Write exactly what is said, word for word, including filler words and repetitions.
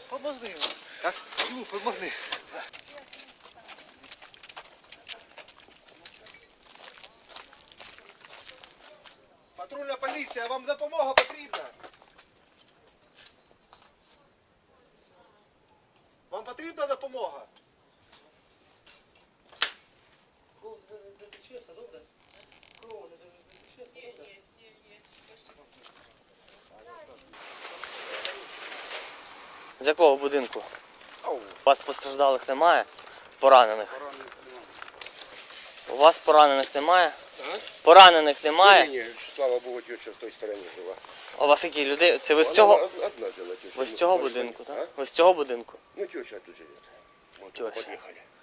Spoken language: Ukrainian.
Помогни. Как? Ну, помогни. Патрульна поліція, вам допомога потрібна? Вам потрібна допомога? Кров не течеться, добре? Кров не течеться, добре? З якого будинку? У вас постраждалих немає? Поранених? У вас поранених немає? А? Поранених немає? Ні, ні, слава Богу, теща в той стороні жила. А у вас які люди? Це ви з Вона цього? од- одна жила теща. Ви з Ну, цього может, будинку, а? так? Ви з цього будинку? Ну, теща тут живет. Мы Теща. туда подъехали.